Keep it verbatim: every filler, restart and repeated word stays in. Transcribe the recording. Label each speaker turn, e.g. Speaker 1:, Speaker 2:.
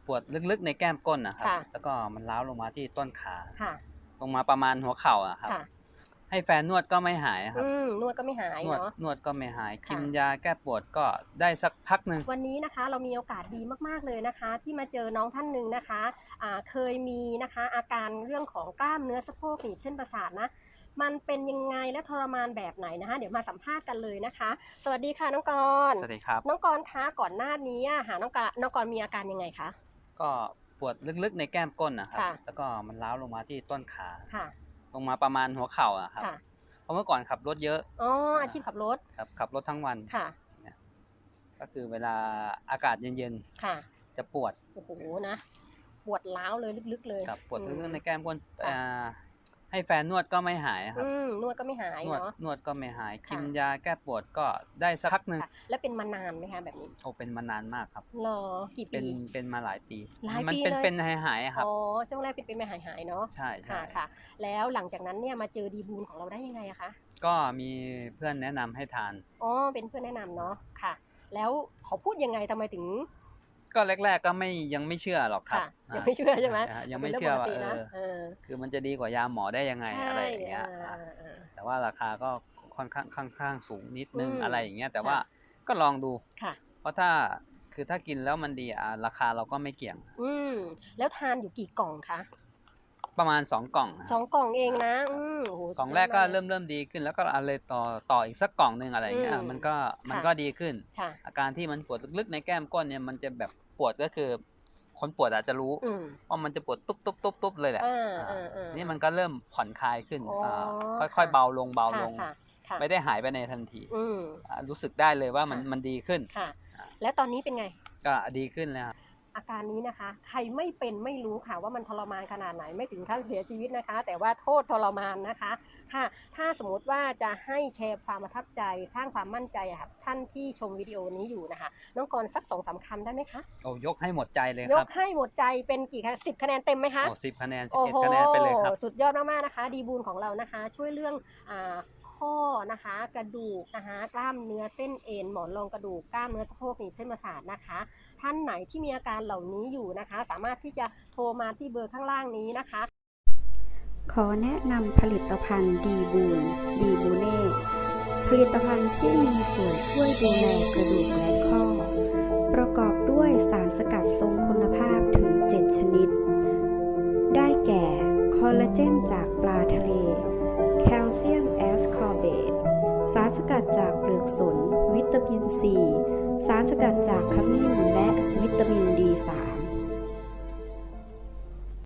Speaker 1: ปวดลึกๆในแก้มก้นนะครับแล้วก็มันร้าวลงมาที่ต้นขาลงมาประมาณหัวเข่าอะครับให้แฟนนวดก็ไม่หายครับ
Speaker 2: นวดก็ไม่หาย
Speaker 1: นวด
Speaker 2: เนาะ
Speaker 1: นวดก็ไม่หายกินยาแก้ปวดก็ได้สักพักหนึ่ง
Speaker 2: วันนี้นะคะเรามีโอกาสดีมากๆเลยนะคะที่มาเจอน้องท่านหนึ่งนะคะอ่าเคยมีนะคะอาการเรื่องของกล้ามเนื้อสะโพกหนีบเส้นประสาทนะมันเป็นยังไงและทรมานแบบไหนนะคะเดี๋ยวมาสัมภาษณ์กันเลยนะคะสวัสดีค่ะน้องกร
Speaker 1: สวัสดีครับ
Speaker 2: น้องกรคะก่อนหน้านี้หาน้องกรน้องกรมีอาการยังไงคะ
Speaker 1: ก็ปวดลึกๆในแก้มก้นนะครับแล้วก็มันร้าวลงมาที่ต้นขาลงมาประมาณหัวเข่าอะครับเพราะเมื่อก่อนขับรถเยอะ
Speaker 2: อ๋ออาชีพขับรถ
Speaker 1: ครับขับรถทั้งวัน
Speaker 2: ค่ะ
Speaker 1: ก็คือเวลาอากาศเย็นๆจะปวด
Speaker 2: โอ้โหนะปวดร้าวเลยลึกๆเลย
Speaker 1: ครับปวดลึกๆในแก้มก้นให้แฟนนวดก็ไม่หายครับ
Speaker 2: นวดก็ไม่หาย
Speaker 1: เนาะนวดก็ไม่หายกินยาแก้ปวดก็ได้สักพักหนึ่ง
Speaker 2: แล้วเป็นมานานไหมคะแบบนี้
Speaker 1: โอ้เป็นมานานมากครับ
Speaker 2: หรอกี่ปี
Speaker 1: เป็นเป็นมาหลายปี
Speaker 2: หลายปีเลย
Speaker 1: มันเป็นเป็นหายหายครับ
Speaker 2: อ๋อช่วงแรกเป็นเป็นหายหายเนาะ
Speaker 1: ใช่ใช่
Speaker 2: ค่ะแล้วหลังจากนั้นเนี่ยมาเจอดีบูลของเราได้ยังไงอะคะ
Speaker 1: ก็มีเพื่อนแนะนำให้ทาน
Speaker 2: อ๋อเป็นเพื่อนแนะนำเนาะค่ะแล้วเขาพูดยังไงทำไมถึง
Speaker 1: ก็แรกๆก็ไม่ยังไม่เชื่อหรอกครับ
Speaker 2: ยังไม่เชื่อใช่ไหม
Speaker 1: ยังไม่เชื่อว่าเออคือมันจะดีกว่ายาหมอได้ยังไงอะไรอย่างเงี้ยแต่ว่าราคาก็ค่อนข้างค่อนข้างสูงนิดนึงอะไรอย่างเงี้ยแต่ว่าก็ลองดูเพราะถ้าคือถ้ากินแล้วมันดีอ่ะราคาเราก็ไม่เกี่ยง
Speaker 2: อืมแล้วทานอยู่กี่กล่องคะ
Speaker 1: ประมาณสองกล่อง
Speaker 2: สองกล่องเองนะอืม
Speaker 1: กล่องแรกก็เริ่มเริ่มดีขึ้นแล้วก็อะไรต่อต่ออีกสักกล่องนึงอะไรอย่างเงี้ยมันก็มันก็ดีขึ้นอาการที่มันปวดลึกๆในแก้มก้นเนี่ยมันจะแบบปวดก็คือคนปวดอาจจะรู้ว่ามันจะปวดตุ๊บตุ๊บตุ๊บตุ๊บเลยแหละนี่มันก็เริ่มผ่อนคลายขึ้นค่อยๆเบาลงเบาลงไม่ได้หายไปในทันทีรู้สึกได้เลยว่ามันมันดีขึ้น
Speaker 2: แล้วตอนนี้เป็นไง
Speaker 1: ก็ดีขึ้นแล้ว
Speaker 2: อาการนี้นะคะใครไม่เป็นไม่รู้ค่ะว่ามันทรมานขนาดไหนไม่ถึงขั้นเสียชีวิตนะคะแต่ว่าโทษทรมานนะคะค่ะถ้าสมมติว่าจะให้แชร์ความประทับใจสร้างความมั่นใจค่ะท่านที่ชมวิดีโอนี้อยู่นะคะน้องกรสักสองสามคำได้ไหมคะ
Speaker 1: โอ้ยกให้หมดใจเลยครับ
Speaker 2: ยกให้หมดใจเป็นกี่คะสิบคะแนนเต็มไหมคะ
Speaker 1: โอ้สิบคะแนนสิบเอ็ดคะแนนไปเลยครับ
Speaker 2: สุดยอดมากๆนะคะดีบูลของเรานะคะช่วยเรื่องอ่าข้อนะคะกระดูกนะคะกล้ามเนื้อเส้นเอ็นหมอนรองกระดูกกล้ามเนื้อสะโพกหนีบเส้นประสาทนะคะท่านไหนที่มีอาการเหล่านี้อยู่นะคะสามารถที่จะโทรมาที่เบอร์ข้างล่างนี้นะคะ
Speaker 3: ขอแนะนำผลิตภัณฑ์ดีบูลดีบูเน่ผลิตภัณฑ์ที่มีส่วนช่วยดูแลกระดูกและข้อประกอบด้วยสารสกัดทรงคุณภาพถึงเจ็ดชนิดได้แก่คอลลาเจนจากปลาทะเลแคลเซียมแอสคอร์เบตสารสกัดจากเปลือกสนวิตามินซีสารสกัดจากขมิ้นและวิตามิน ดี สาม